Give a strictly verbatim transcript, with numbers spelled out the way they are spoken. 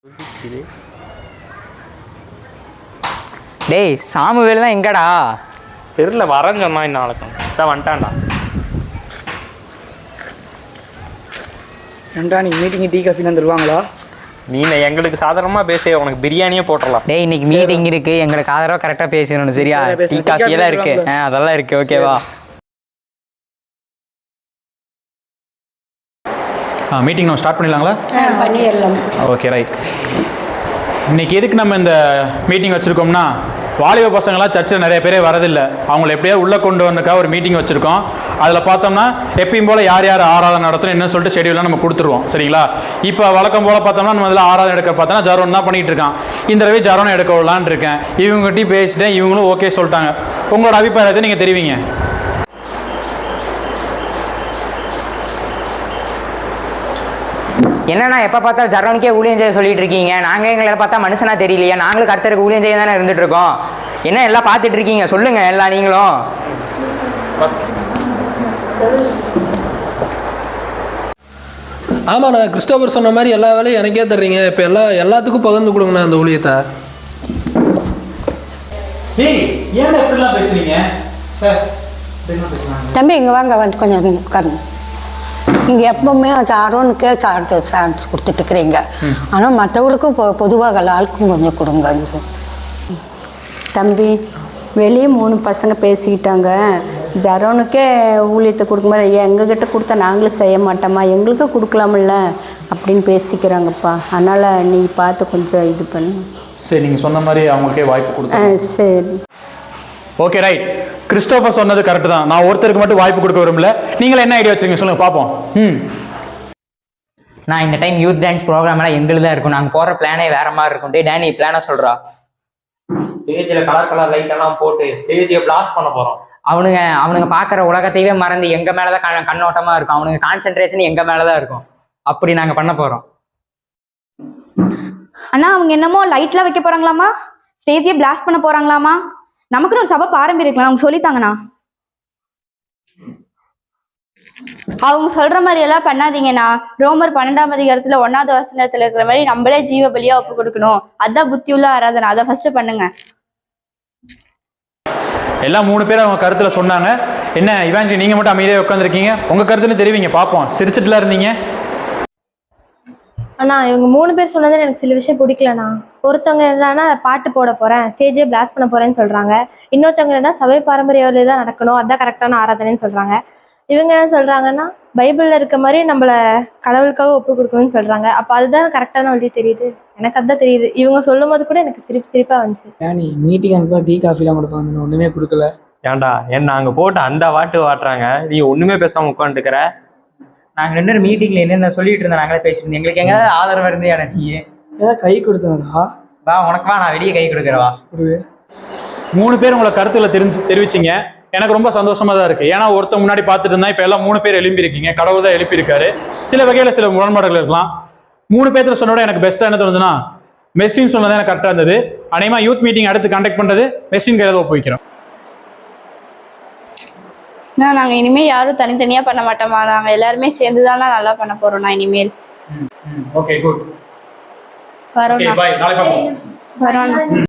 டேய் சாமுவேல் தான் எங்கடா தெரியல வரேன்னு சொன்னா நாளைக்கு தான் வந்துட்டான்டா. ஏன்டா நீ மீட்டிங் டீ காஃபி தருவாங்களா? நீ எங்களுக்கு சாதாரணமாக பேச உனக்கு பிரியாணியே போட்டுடலாம். டேய் இன்னைக்கு மீட்டிங் இருக்கு, எங்களுக்கு ஆதரவாக கரெக்டாக பேசணும் சரியா? டீ காஃபி எல்லாம் இருக்கு, அதெல்லாம் இருக்கு ஓகேவா? ஆ மீட்டிங் நம்ம ஸ்டார்ட் பண்ணிடலாங்களா? பண்ணிடலாம். Okay right. இன்றைக்கி எதுக்கு நம்ம இந்த மீட்டிங் வச்சுருக்கோம்னா, வாலிப பசங்களாம் சர்ச்சில் நிறைய பேரே வரதில்லை. அவங்கள எப்படியா உள்ளே கொண்டு வந்தக்காக ஒரு மீட்டிங் வச்சுருக்கோம். அதில் பார்த்தோம்னா எப்பயும் போல் யார் யார் ஆராதனை நடத்தணும் என்ன சொல்லிட்டு ஷெடியூலாம் நம்ம கொடுத்துருவோம் சரிங்களா? இப்போ வழக்கம் போல் பார்த்தோம்னா நம்ம இதில் ஆராதனை எடுக்க பார்த்தோன்னா ஜரோன் தான் பண்ணிகிட்டு இருக்கான். இந்த தடவை ஜரோனை எடுக்க விடலான்னு இருக்கேன். இவங்ககிட்டையும் பேசிட்டேன், இவங்களும் ஓகே சொல்லிட்டாங்க. உங்களோட அபிப்பிராயத்தை நீங்கள் தெரிவிங்க. என்னன்னா எப்போ பார்த்தாலும் ஜரோனுக்கே ஊழியம் செய்ய சொல்லிட்டு இருக்கீங்க. நாங்கள் எங்களை பார்த்தா மனுஷனா தெரியலையா? நாங்களும் கர்த்தருக்கு ஊழியம் செய்ய தானே இருந்துட்டு இருக்கோம். என்ன எல்லாம் பார்த்துட்டு இருக்கீங்க சொல்லுங்க எல்லாம் நீங்களும். ஆமாண்ணா, கிறிஸ்டோபர் சொன்ன மாதிரி எல்லா வேலையும் எனக்கே தர்றீங்க. இப்போ எல்லா எல்லாத்துக்கும் பகிர்ந்து கொடுங்கண்ணா அந்த ஊழியத்தை. ஏய் ஏன் எப்படிலாம் பேசுறீங்க சார்? தம்பி இங்கே வாங்க, வந்து கொஞ்சம் உட்காருங்க. நீங்கள் எப்பவுமே சாரோனுக்கே சார்ஜ் சார்ஜ் கொடுத்துட்டுருக்குறீங்க. ஆனால் மற்றவங்களுக்கும் பொ பொதுவாக எல்லாருக்கும் கொஞ்சம் கொடுங்க. தம்பி வெளியே மூணு பசங்க பேசிக்கிட்டாங்க. ஜரோனுக்கே ஊழியத்தை கொடுக்கும்போது எங்ககிட்ட கொடுத்தா நாங்களும் செய்ய மாட்டோமா, எங்களுக்கும் கொடுக்கலாமில்ல அப்படின்னு பேசிக்கிறாங்கப்பா. அதனால் நீ பார்த்து கொஞ்சம் இது பண்ணு. சரி நீங்கள் சொன்ன மாதிரி அவங்களுக்கே வாய்ப்பு கொடுத்து. சரி ஓகே ரைட். கிறிஸ்டோபர் சொன்னது கரெக்டு தான். நான் ஒருத்தருக்கு மட்டும் வாய்ப்பு கொடுக்க விரும்பல. நீங்களே என்ன ஐடியா வச்சுருக்கீங்க சொல்லுங்கள் பார்ப்போம். ம் நான் இந்த டைம் யூத் டான்ஸ் ப்ரோக்ராம் எல்லாம் எங்களுக்கு தான் இருக்கும். நாங்கள் போகிற பிளானே வேற மாதிரி இருக்கும். டே டேனி பிளானை சொல்கிறா. ஸ்டேஜில் கலர் கலர் லைட் எல்லாம் போட்டு ஸ்டேஜை பிளாஸ்ட் பண்ண போகிறோம். அவனுங்க அவனுங்க பார்க்குற உலகத்தையே மறந்து எங்கள் மேலே தான் கண் கண்ணோட்டமாக இருக்கும். அவனுங்க கான்சென்ட்ரேஷன் எங்கள் மேலே தான் இருக்கும். அப்படி நாங்கள் பண்ண போகிறோம். அண்ணா அவங்க என்னமோ லைட்லாம் வைக்க போகிறாங்களாமா, ஸ்டேஜே பிளாஸ்ட் பண்ண போகிறாங்களாமா. நமக்குன்னு ஒரு சபை பாரம்பரியம் இருக்கலாம், அவங்க சொல்லித்தாங்கண்ணா. அவங்க சொல்ற மாதிரி எல்லாம் பண்ணாதீங்கண்ணா. ரோமர் பன்னெண்டாம் அதிகாரத்துல ஒன்னாவது வசனத்துல இருக்கிற மாதிரி நம்மளே ஜீவ பலியா ஒப்பு கொடுக்கணும். அதான் புத்தி உள்ள ஆராதனை. அதை ஃபர்ஸ்ட் பண்ணுங்க. எல்லாம் மூணு பேர் அவங்க கருத்துல சொன்னாங்க. என்ன இவான்ஜி நீங்க மட்டும் அமைதியாக உட்காந்துருக்கீங்க? உங்க கருத்துன்னு தெரிவிங்க பார்ப்போம். சிரிச்சுட்டுலாம் இருந்தீங்க. அண்ணா இவங்க மூணு பேர் சொன்னது எனக்கு சில விஷயம் பிடிக்கலண்ணா. ஒருத்தவங்க என்னன்னா பாட்டு போட போறேன், ஸ்டேஜே பிளாஸ்ட் பண்ண போறேன்னு சொல்றாங்க. இன்னொருத்தவங்க என்ன சபை பாரம்பரிய தான் நடக்கணும், அதான் கரெக்டான ஆராதனைன்னு சொல்றாங்க. இவங்க என்ன சொல்றாங்கன்னா பைபிள்ல இருக்க மாதிரி நம்மள கடவுளுக்காக ஒப்பு கொடுக்கணும்னு சொல்றாங்க. அப்ப அதுதான் கரெக்டான வழி தெரியுது. எனக்கு அதுதான் தெரியுது. இவங்க சொல்லும் போது கூட எனக்கு சிரிப்பு சிரிப்பா வந்துச்சு. நீ மீட்டிங் அனுப்பா டீ காஃபிலாம் கொடுப்பாங்க, ஒண்ணுமே கொடுக்கல. ஏன்டா என்ன அங்கே போட்டு அந்த வாட்டு வாட்டுறாங்க, நீ ஒன்றுமே பேசாமல் உட்காந்துக்கிற. நாங்கள் ரெண்டு பேரும் மீட்டிங்கில் என்னென்ன சொல்லிட்டு இருந்தோம், நாங்களே பேசிட்டு இருந்தோம். எங்களுக்கு எங்கேயாவது ஆதரவு இருந்தேன். நீ ஏதாவது கை கொடுத்தாங்களா? வா உனக்கு வா, நான் வெளியே கை கொடுக்குறவா. மூணு பேர் உங்களை கருத்துல தெரிஞ்சு தெரிவிச்சிங்க. எனக்கு ரொம்ப சந்தோஷமா தான் இருக்கு. ஏன்னா ஒருத்தர் முன்னாடி பார்த்துட்டு இருந்தா இப்போ எல்லாம் மூணு பேர் எழுப்பி இருக்கீங்க. கடவுள் தான் எழுப்பியிருக்காரு. சில வகையில் சில முரண்பாடுகள் இருக்கலாம். மூணு பேர்த்துல சொன்னோட எனக்கு பெஸ்ட்டாக என்ன தோணுதுன்னா மெஸ்டின் சொன்னதான் எனக்கு கரெக்டாக இருந்தது. அநேகமா யூத் மீட்டிங் அடுத்து கண்டக்ட் பண்ணுறது மெஸ்டின் கையில் ஒப்புவிக்கிறோம். நாங்கள் இனிமேல் யாரும் தனித்தனியாக பண்ண மாட்டோமா, நாங்கள் எல்லாருமே சேர்ந்து தானே நல்லா பண்ண போகிறோம். நான் இனிமேல் ஓகே குட். வரோம் பை. நாளைக்கு பார்ப்போம். வரோம்.